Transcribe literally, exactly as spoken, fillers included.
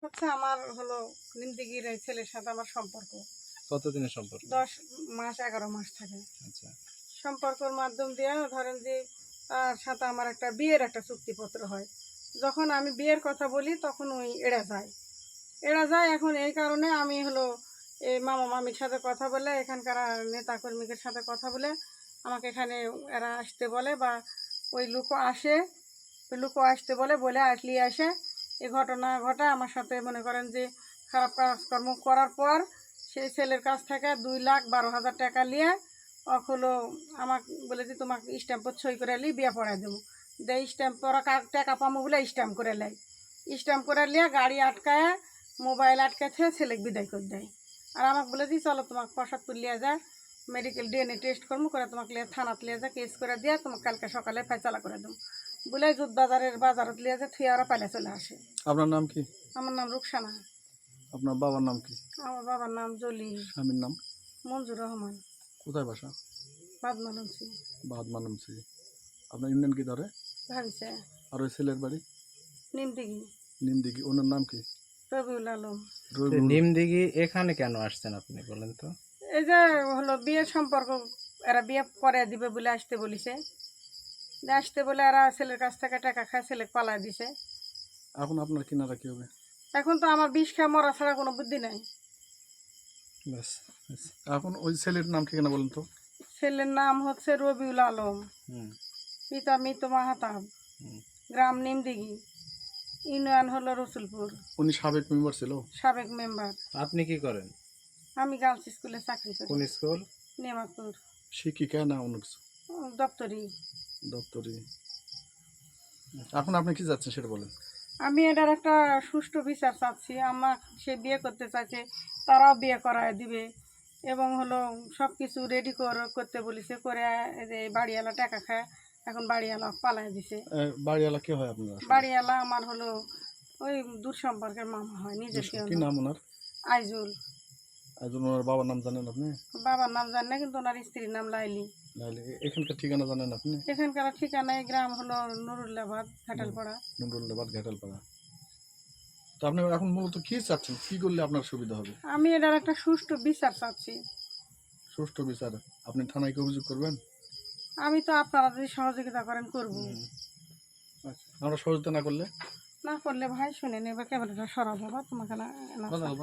হচ্ছে আমার হলো নিমদিঘির এই ছেলের সাথে আমার সম্পর্ক কতদিনের সম্পর্ক? দশ মাস এগারো মাস থাকে। আচ্ছা, সম্পর্কের মাধ্যম দিয়ে ধরেন যে তার সাথে আমার একটা বিয়ের একটা চুক্তিপত্র হয়। যখন আমি বিয়ের কথা বলি তখন ওই এড়া যায় এড়া যায় এখন এই কারণে আমি হলো এই মামা মামির সাথে কথা বলে এখানকার নেতাকর্মীদের সাথে কথা বলে আমাকে এখানে এরা আসতে বলে বা ওই লুকো আসে ওই লুকো আসতে বলে বলে আসলি আসে এই ঘটনা ঘটা আমার সাথে মনে করেন যে খারাপ কাজকর্ম করার পর সেই ছেলের কাছ থেকে দুই লাখ বারো হাজার টাকা নিয়ে অক হলো আমাকে বলে যে তোমাকে স্ট্যাম্পত সই করে লি বিয়ে পড়াই দেবো দেয় স্ট্যাম্প ওরা টাকা পাবো বলে স্ট্যাম্প করে নেয় স্ট্যাম্প করে নিয়ে গাড়ি আটকায় মোবাইল আটকাছে ছেলেকে বিদায় করে দেয়। আর আমাকে বলে দিই চলো তোমাকে প্রসাদ তুলিয়ে যায় মেডিকেল ডিএনএ টেস্ট করবো করে তোমাকে লিয়ে থানাত লিয়ে যা কেস করে দিয়ে তোমাকে কালকে সকালে ফয়সালা করে দেবো বলে জুত বাজারের বাজারত লিয়ে যা থুয়ে ওরা পালে চলে আসে। আপনার নাম কি? আমার নাম রুকসানা। আপনার বাবার নাম কি? আমার বাবার নাম জলি। স্বামীর নাম? মঞ্জুর রহমান। কোথায় বাসা? বাদমানসি। বাদমানসি। আপনার ইউনিয়ন কি ধরে? ভাবিছে। আর ওই ছেলের বাড়ি? নিমদিঘি। নিমদিঘি। ওনার নাম কি? রবিউল আলম। নিমদিঘি এখানে কেন আসছেন আপনি বলেন তো? এই যে হলো বিয়ের সম্পর্ক এরা বিয়ে করে দিবে বলে আসতে বলিছে আসতে বলে এরা ছেলের কাছ থেকে টাকা খায় ছেলে পালায় দিছে। এখন আপনার কিনারা কি হবে? এখন তো আমার বিষ খেয়ে মরা ছাড়া কোনো বুদ্ধি নাই। ব্যাস, এখন ওই ছেলের নাম ঠিকানা বলেন তো? ছেলের নাম হচ্ছে রবিউল আলম, পিতা মৃত মাহাতাব, গ্রাম নিমদিঘি, ইউনিয়ন হলো রসুলপুর। উনি সাবেক মেম্বার ছিল? সাবেক মেম্বার। আপনি কি করেন? আমি গার্লস স্কুলে চাকরি করি। কোন স্কুল? নেমাতুর। শিক্ষিকা না অন্য কিছু? দপ্তরি। দপ্তরি। এখন আপনি কি যাচ্ছেন সেটা বলেন। আমি এটার একটা সুষ্ঠু বিচার চাচ্ছি। আমার সে বিয়ে করতে চাইছে তারাও বিয়ে করায় দিবে এবং হলো সব কিছু রেডি করতে বলেছে করে এই বাড়িওয়ালা টাকা খায় এখন বাড়িওয়ালা পালাই দিছে। বাড়িওয়ালা কে হয় আপনার? বাড়িওয়ালা আমার হলো ওই দূর সম্পর্কের মামা হয় নিজের। কি নাম ওনার? আইজুল। আইজুল। ওনার বাবার নাম জানেন আপনি? বাবার নাম জানি না কিন্তু ওনার স্ত্রীর নাম লাইলি। লাইলি। এখানকার ঠিকানা জানেন আপনি? এখানকার ঠিকানায় গ্রাম হলো নুরুল্লাবাদ ঘাটালপাড়া। নুরুল্লাবাদ ঘাটালপাড়া। তো আপনি এখন মূলত কি চাচ্ছেন, কি করলে আপনার সুবিধা হবে? আমি এটার একটা সুষ্ঠু বিচার চাচ্ছি। সুষ্ঠু বিচার? আপনি থানায় কি অভিযোগ করবেন? আমি তো আপনারা যদি সহযোগিতা করেন করব। আচ্ছা, আমরা সহযোগিতা না করলে? না করলে ভাই শুনে নেবে ক্যামেরাটা সরাবো বা তোমাকে না